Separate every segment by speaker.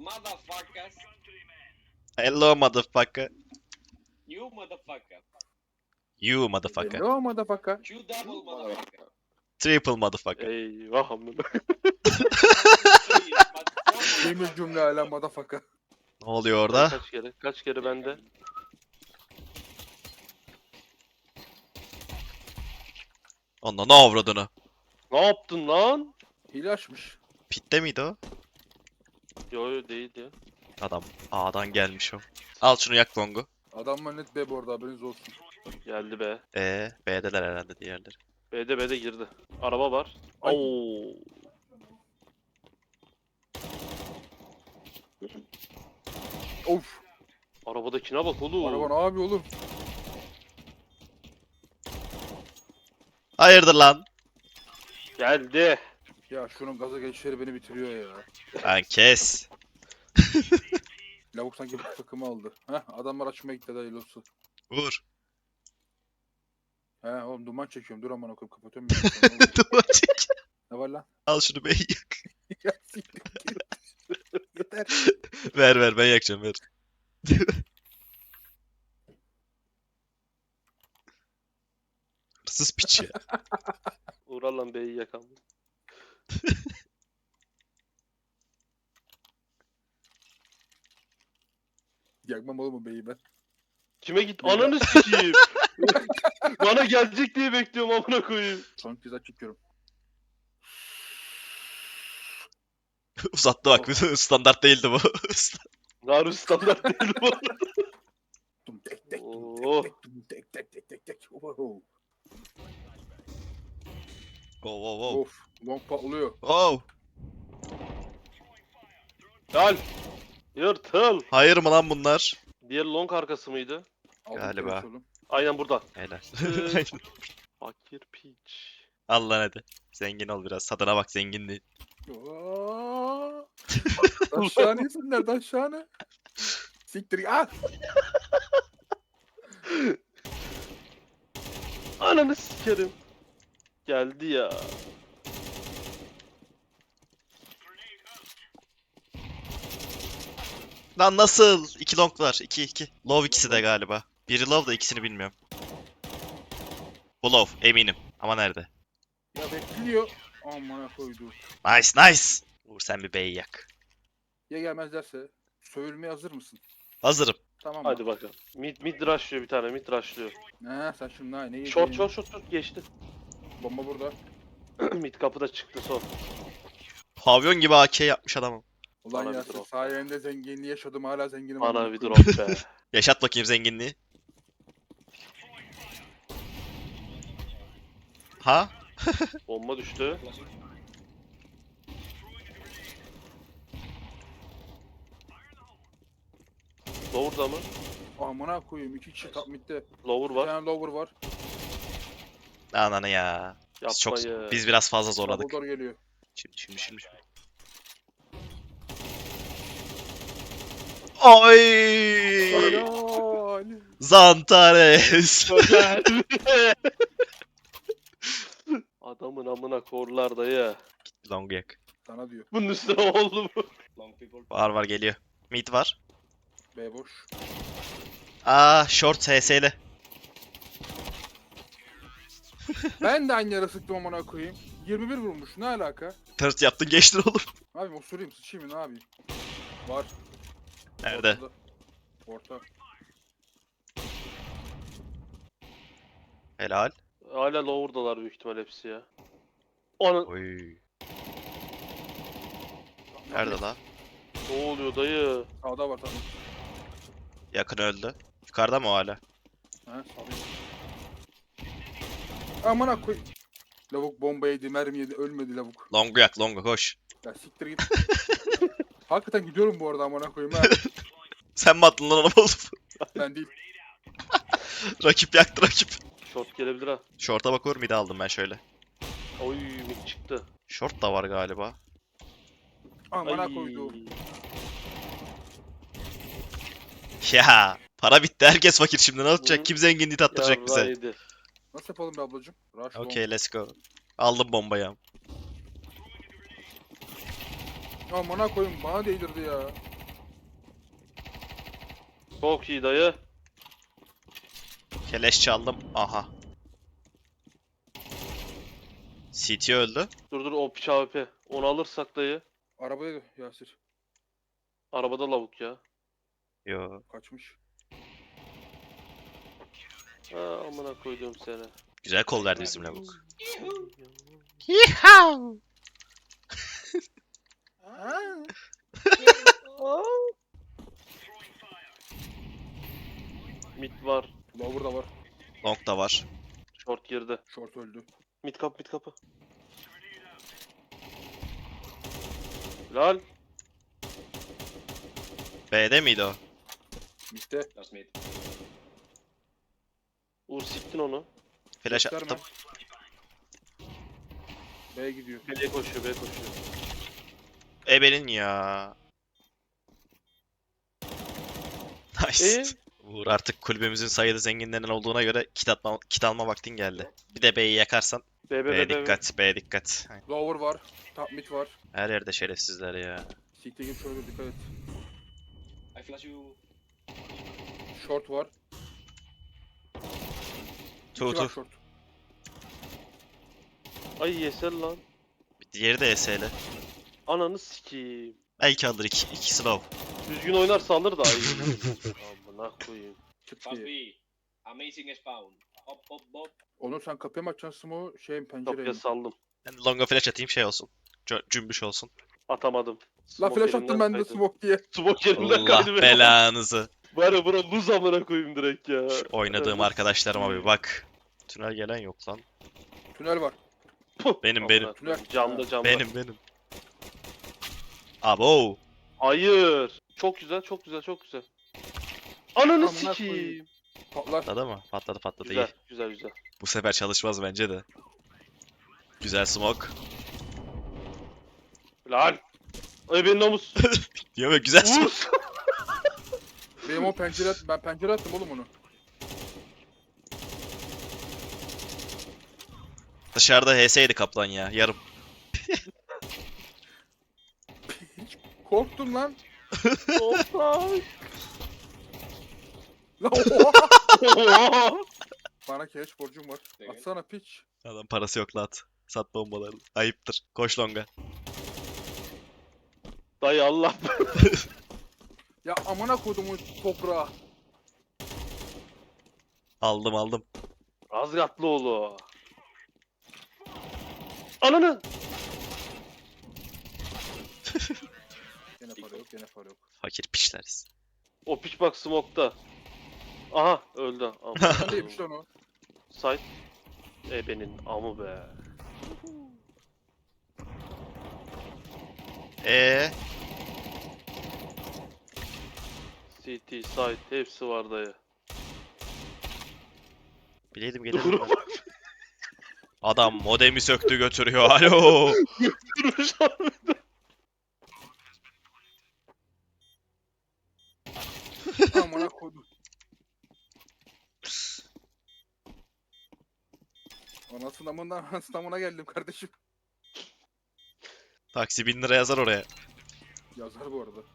Speaker 1: Motherfuckers.
Speaker 2: Hello motherfucker.
Speaker 1: You motherfucker.
Speaker 2: You motherfucker.
Speaker 3: Hello motherfucker.
Speaker 1: You double motherfucker.
Speaker 2: Triple motherfucker.
Speaker 4: Eyvah amına.
Speaker 3: Temiz cümle hala motherfucker.
Speaker 2: Ne oluyor orada?
Speaker 4: Kaç kere? Kaç kere bende?
Speaker 2: Onunla ne avradını?
Speaker 4: Ne yaptın lan?
Speaker 3: Hile açmış.
Speaker 2: Pitte miydi o?
Speaker 4: Yo yo değil ya.
Speaker 2: Adam A'dan gelmiş o. Al şunu yak Long'u.
Speaker 3: Adamlar net B bu arada, haberiniz olsun.
Speaker 4: Geldi be.
Speaker 2: B'deler herhalde diğerleri.
Speaker 4: B'de girdi. Araba var.
Speaker 3: Ay.
Speaker 4: Oo.
Speaker 3: Of.
Speaker 4: Arabadakine bak oğlum.
Speaker 3: Araba ne yapıyor oğlum?
Speaker 2: Hayırdır lan?
Speaker 4: Geldi.
Speaker 3: Ya şunun gaza geçişleri beni bitiriyor ya.
Speaker 2: Lan kes.
Speaker 3: Lavuk sanki bu takımı aldı. Heh, adamlar açmaya gitti dayı losu.
Speaker 2: Vur.
Speaker 3: He oğlum duman çekiyorum, dur aman okuyup kapatıyorum. bilgisayarı.
Speaker 2: Duvar çek.
Speaker 3: Ne var lan?
Speaker 2: Al şunu B'yi yak.
Speaker 3: Ya siktir git. Yeter.
Speaker 2: Ver ben yakacağım ver. Hırsız piç ya.
Speaker 4: Uğral lan B'yi yakan.
Speaker 3: Yakmam oğlum o beyi ben.
Speaker 4: Kime git? Ananı sikeyim. Bana gelecek diye bekliyorum amına koyayım.
Speaker 3: Son kez çekiyorum.
Speaker 2: Uzattı bak. Standart değildi bu.
Speaker 4: Naru standart değil bu.
Speaker 3: Tum tek tek
Speaker 4: Oo.
Speaker 3: tum tek tek tek. Oho.
Speaker 2: Oh.
Speaker 3: Of. Long patlıyor.
Speaker 2: Oh.
Speaker 4: Gel. Yırtıl.
Speaker 2: Hayır mı lan bunlar?
Speaker 4: Diğer long arkası mıydı?
Speaker 3: Aldım
Speaker 2: Galiba.
Speaker 3: temiz oğlum.
Speaker 4: Aynen burada.
Speaker 2: Helal.
Speaker 4: Fakir piç.
Speaker 2: Al lan hadi. Zengin ol biraz. Tadına bak zenginliği.
Speaker 3: Aa! Aşağıne isimler de aşağıne. Siktir ah!
Speaker 4: Ananı sikerim. Geldi ya.
Speaker 2: Lan nasıl? 2 long var. 2. Low ikisi de galiba. Biri low da ikisini bilmiyorum. Bu low eminim. Ama nerede?
Speaker 3: Ya bekliyor. Amına koydu.
Speaker 2: Nice. Uğur sen bir B'yi yak.
Speaker 3: Ya gelmezlerse sövülmeye hazır mısın?
Speaker 2: Hazırım.
Speaker 3: Tamam.
Speaker 4: Hadi bakalım. Mid rushlıyor bir tane. Mid rushlıyor.
Speaker 3: Ne sen şimdi ne yedin?
Speaker 4: Short geçti.
Speaker 3: Bomba burada.
Speaker 4: Mid kapıda çıktı son.
Speaker 2: Pavyon gibi AK yapmış adamım.
Speaker 3: Ulan
Speaker 4: Bana
Speaker 3: ya
Speaker 4: bir drop.
Speaker 3: sayende zenginliği yaşadım, hala zenginim.
Speaker 4: Bana
Speaker 3: amına
Speaker 4: bir
Speaker 3: koyayım.
Speaker 4: drop be.
Speaker 2: Yaşat bakayım zenginliği. Ha?
Speaker 4: Bomba düştü. Lower'da mı?
Speaker 3: Amına koyayım, 2 kişi top midde.
Speaker 4: Lower
Speaker 3: Bir
Speaker 4: var.
Speaker 3: tane lower var.
Speaker 2: Ananı ya.
Speaker 4: Yapmayı.
Speaker 2: Biz biraz fazla zorladık.
Speaker 3: Double door geliyor.
Speaker 2: Şimdi. Oy!
Speaker 3: Helal.
Speaker 2: Zantares.
Speaker 4: Güzel. Adamın amına korlar dayı.
Speaker 2: Long yak.
Speaker 3: Sana diyor.
Speaker 4: Bunun üstüne oldu mu?
Speaker 2: Var geliyor. Mid var.
Speaker 3: B boş.
Speaker 2: Short HS'li.
Speaker 3: Ben de aynı yere sıktım amına koyayım. 21 vurmuş, ne alaka?
Speaker 2: Tırt yaptın geçtin oğlum.
Speaker 3: Abi osurayım, sıçayım mı, ne yapayım? Var.
Speaker 2: Nerede?
Speaker 3: Ortada. Orta.
Speaker 2: Helal.
Speaker 4: Hala lower'dalar büyük ihtimal hepsi ya. Onun
Speaker 2: Oy. Nerede la?
Speaker 4: ne oluyor dayı?
Speaker 3: Sağda var tamam.
Speaker 2: Yakın öldü. Yukarıda mı o hala?
Speaker 3: He sağda. Amına koy. Lavuk bomba yedi, mermi yedi, ölmedi lavuk.
Speaker 2: Longu yak longu koş.
Speaker 3: Ya siktir git. Hakikaten gidiyorum bu arada amına koyayım ha.
Speaker 2: Sen mi attın lan onu oğlum?
Speaker 3: Ben değil.
Speaker 2: Rakip yaktı rakip.
Speaker 4: Short gelebilir ha.
Speaker 2: Short'a bak Uğur mid'i aldım ben şöyle.
Speaker 4: Oy mid çıktı.
Speaker 2: Short da var galiba.
Speaker 3: Amına
Speaker 4: Ay.
Speaker 3: koydu.
Speaker 2: Ya para bitti herkes fakir şimdi ne
Speaker 4: Hı.
Speaker 2: yapacak? Kim zenginliği tattıracak bize?
Speaker 4: Yarrağıydı.
Speaker 3: Nasıl yapalım be ablacım? Rush bomb.
Speaker 2: Okay let's go. Aldım bombayı.
Speaker 3: Amına koyayım, bana değdirdi ya.
Speaker 4: Çok iyi dayı.
Speaker 2: Keleş çaldım. Aha. CT öldü.
Speaker 4: Dur o piç AWP. Onu alırsak dayı.
Speaker 3: Arabaya Yasir.
Speaker 4: Arabada lavuk ya.
Speaker 2: Yo.
Speaker 3: Kaçmış.
Speaker 4: Ha amına koydum seni.
Speaker 2: Güzel kol verdi bizim lavuk.
Speaker 4: Mid var.
Speaker 3: Lower da var.
Speaker 2: Long da var.
Speaker 4: Short girdi.
Speaker 3: Short öldü.
Speaker 4: Mid kapı. Lal.
Speaker 2: B'de miydi o?
Speaker 3: Mitte.
Speaker 1: That's mid.
Speaker 4: Uğur siktin onu.
Speaker 2: Flash
Speaker 3: Gösterme.
Speaker 2: attım.
Speaker 3: B'ye gidiyor.
Speaker 4: B koşuyor.
Speaker 2: Ebenin ya. Nice. Uğur artık kulübümüzün sayılı zenginlerinden olduğuna göre kit alma vaktin geldi. Bir de B'yi yakarsan B'ye dikkat, B'ye dikkat.
Speaker 3: Lower var. Top mid var.
Speaker 2: Her yerde şerefsizler ya.
Speaker 3: CT gibi şöyle dikkat et.
Speaker 1: I flash you.
Speaker 3: Short var.
Speaker 2: Tu
Speaker 3: İki var
Speaker 2: tu.
Speaker 3: short.
Speaker 4: Ay yesel lan.
Speaker 2: Diğeri de ES'li.
Speaker 4: Ananı sikeyim.
Speaker 2: Belki alır iki slow.
Speaker 4: Düzgün oynarsa alır da ay. Amına koyayım.
Speaker 3: Çıt
Speaker 1: Fast
Speaker 3: diye.
Speaker 1: B. Amazing spawn. Hop hop hop.
Speaker 3: Onur sen kapıya mı açacaksın o pencereye
Speaker 4: Kapıya
Speaker 3: mi?
Speaker 4: saldım.
Speaker 2: Ben longa flash atayım şey olsun. Cümbüş olsun.
Speaker 4: Atamadım.
Speaker 3: La
Speaker 4: Smoke
Speaker 3: flash
Speaker 4: elimden
Speaker 3: attım ben de
Speaker 4: kaydı.
Speaker 3: smoke diye.
Speaker 4: Smoke elimden
Speaker 2: Allah
Speaker 4: kaydı benim.
Speaker 2: belanızı.
Speaker 4: Var ya bura luz amına koyayım direkt ya.
Speaker 2: Oynadığım
Speaker 4: Evet.
Speaker 2: arkadaşlarıma bir bak. Tünel gelen yok lan.
Speaker 3: Tünel var.
Speaker 2: Benim,
Speaker 4: Amına
Speaker 2: benim.
Speaker 4: koyayım. Camda.
Speaker 2: Benim. Abo.
Speaker 4: Hayır. Çok güzel. Ananı
Speaker 3: Amına
Speaker 4: sikeyim.
Speaker 3: koyayım. Patlar.
Speaker 2: Patladı mı? Patladı
Speaker 4: Güzel,
Speaker 2: iyi.
Speaker 4: güzel.
Speaker 2: Bu sefer çalışmaz bence de. Güzel smoke.
Speaker 4: Lan. Ay benim namus.
Speaker 2: Diyor ve güzel smoke.
Speaker 4: Vur.
Speaker 3: Benim o ben pencere attım oğlum onu.
Speaker 2: Dışarıda HS'ydi kaplan ya. Yarım.
Speaker 3: Korktum lan.
Speaker 4: Offside.
Speaker 3: La oha.
Speaker 4: Oha.
Speaker 3: Bana cash borcum var.
Speaker 1: Evet.
Speaker 3: Atsana piç.
Speaker 2: Adam parası yok lan at. Sat bombalarını. Ayıptır. Koş longa.
Speaker 4: Dayı Allah.
Speaker 3: Ya amına kodumun toprağı.
Speaker 2: Aldım.
Speaker 4: Razgatlıoğlu. Ananı.
Speaker 3: Gene para yok.
Speaker 2: Fakir piçleriz.
Speaker 4: O piç bak smoke'ta. Aha öldü.
Speaker 3: Sen deymiş lan o.
Speaker 4: Side. Benim amı be. CT, side hepsi var dayı.
Speaker 2: Bileydim gelirdim ben. Adam modemi söktü götürüyor. Alo.
Speaker 4: Durmuş abi.
Speaker 3: Amına kodum. Anasından geldim kardeşim.
Speaker 2: Taksi 1000 lira yazar oraya.
Speaker 3: Yazar bu arada.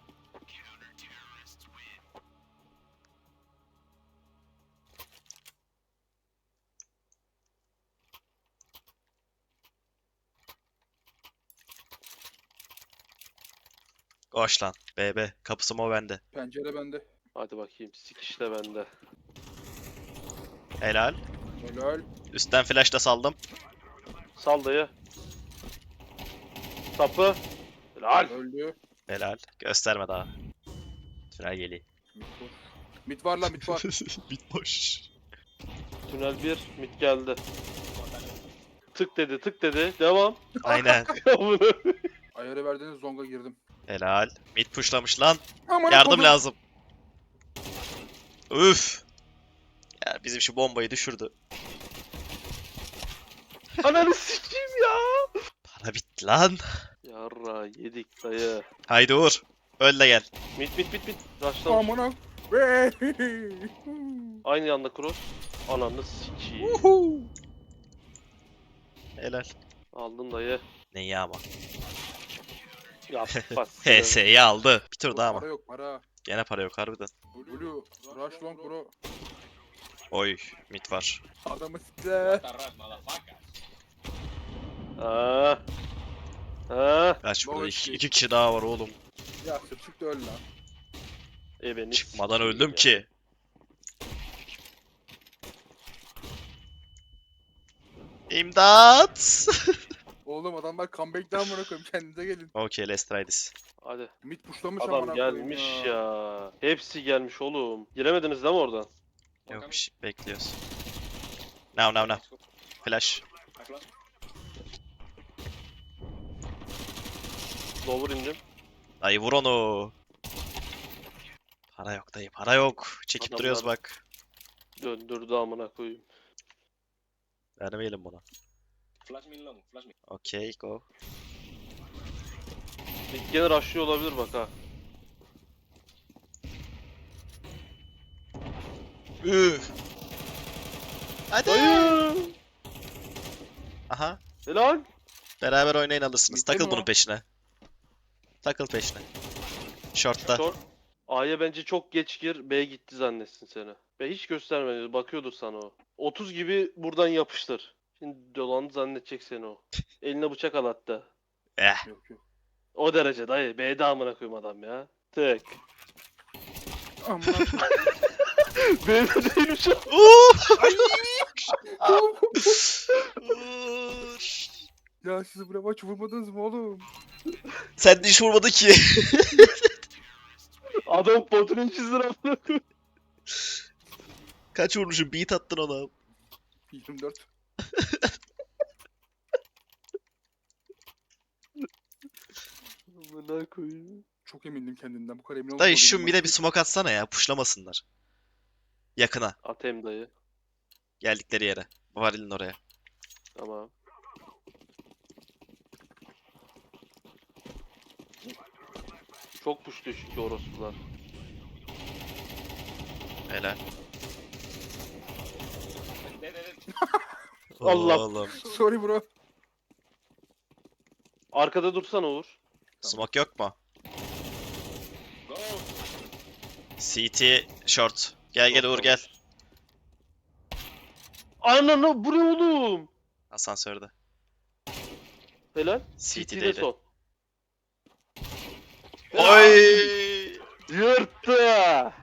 Speaker 2: Koş lan. BB. Kapısı mı bende.
Speaker 3: Pencere bende.
Speaker 4: Hadi bakayım sikiş de bende.
Speaker 2: Helal.
Speaker 3: Helal.
Speaker 2: Üstten flash da saldım.
Speaker 4: Sal dayı. Sapı. Helal.
Speaker 3: Öldü.
Speaker 2: Helal. Gösterme daha. Tünel geliyor.
Speaker 3: Mid var lan mid var.
Speaker 2: Bit boş.
Speaker 4: Tünel 1 mid geldi. Tık dedi. Devam.
Speaker 2: Aynen.
Speaker 3: Ayarı verdiğiniz zonga girdim.
Speaker 2: Helal. Mid pushlamış lan.
Speaker 3: Amına
Speaker 2: Yardım
Speaker 3: kodum.
Speaker 2: lazım. Üf. Ya bizim şu bombayı düşürdü.
Speaker 4: Ananı sikeyim ya.
Speaker 2: Para bitti lan.
Speaker 4: Yarra yedik dayı.
Speaker 2: Haydi Uğur. Öl de gel.
Speaker 4: Mid. Rush'tan.
Speaker 3: Amına. Ve.
Speaker 4: Aynı yanda cross. Ananı sikeyim.
Speaker 2: Helal.
Speaker 4: Aldım dayı.
Speaker 2: Neyi ama?
Speaker 4: Ya bas.
Speaker 2: HS'yi aldı. Bir tur daha ama.
Speaker 3: Para yok para.
Speaker 2: Gene para yok harbiden.
Speaker 3: Blue. Rush long bro.
Speaker 2: Oy mid var.
Speaker 3: Adamı sikle.
Speaker 1: What a rat, motherfucker.
Speaker 4: Ha. Ha.
Speaker 2: Kaç burada?
Speaker 3: Boş
Speaker 2: İki,
Speaker 3: değil.
Speaker 2: iki kişi daha var oğlum.
Speaker 3: Ya sır çıktı öl lan.
Speaker 4: Beni
Speaker 2: Çıkmadan
Speaker 4: sikeyim
Speaker 2: öldüm
Speaker 4: ya.
Speaker 2: ki. İmdat!
Speaker 3: Oğlum adamlar comeback'ten bırakıyorum. Kendinize gelin.
Speaker 2: Okay, let's try this.
Speaker 4: Hadi.
Speaker 3: Mid pushlamış
Speaker 4: Adam
Speaker 3: amına koyayım
Speaker 4: gelmiş ya. Hepsi gelmiş oğlum. Giremediniz değil mi oradan?
Speaker 2: Yok bir şey bekliyoruz. Now.
Speaker 1: Let's go.
Speaker 2: Flash.
Speaker 1: I flash.
Speaker 4: Lower indim.
Speaker 2: Dayı vur onu. Para yok dayı, para yok. Çekip
Speaker 4: Adamlar-
Speaker 2: duruyoruz bak.
Speaker 4: Döndürdü amına koyayım.
Speaker 2: Vermeyelim buna.
Speaker 1: Flash me long, flash me.
Speaker 2: Okay, go.
Speaker 4: Gene rushlıyor olabilir bak ha.
Speaker 2: Üf. Hadi.
Speaker 4: Dayı.
Speaker 2: Aha.
Speaker 4: Helal.
Speaker 2: Beraber oynayın alırsınız.
Speaker 3: Bitti mi
Speaker 2: Takıl
Speaker 3: o?
Speaker 2: bunun peşine. Takıl peşine. Short'ta.
Speaker 4: Short. A'ya bence çok geç gir. B gitti zannetsin seni. B hiç göstermedi. Bakıyordur sana o. 30 gibi buradan yapıştır. Şimdi dolandı zannedecek seni o. Eline bıçak al hatta.
Speaker 2: Eh.
Speaker 3: Yok yok.
Speaker 4: O derece dayı. B'de amına koyayım adam ya. Tek.
Speaker 3: Amına
Speaker 4: B'de değilmiş o.
Speaker 2: Vur.
Speaker 3: Ya siz buraya maç vurmadınız mı oğlum?
Speaker 2: Sen de hiç vurmadın ki.
Speaker 4: Adam potunu çizdir amına koyayım.
Speaker 2: Kaç vurmuşum? Beat attın ona.
Speaker 3: 24.
Speaker 4: Amına koyayım.
Speaker 3: Çok emindim kendimden. Bu kadar emin
Speaker 2: Dayı
Speaker 3: olmamalıydım
Speaker 2: şu
Speaker 3: maçı.
Speaker 2: mide bir smoke atsana ya. Pushlamasınlar. Yakına.
Speaker 4: Atayım dayı.
Speaker 2: Geldikleri yere. Varilin oraya.
Speaker 4: Tamam. Çok puştu çünkü orospular.
Speaker 2: Helal.
Speaker 1: Dead.
Speaker 4: Allah.
Speaker 2: Oğlum.
Speaker 3: Sorry bro.
Speaker 4: Arkada dursana Uğur.
Speaker 2: Smoke yok mu?
Speaker 1: Go.
Speaker 2: CT short. Gel Uğur gel.
Speaker 4: Ananı bu ne oğlum?
Speaker 2: Asansörde.
Speaker 4: Helal.
Speaker 2: CT'deydi.
Speaker 4: CT'de son.
Speaker 2: Oy!
Speaker 4: Yırttı.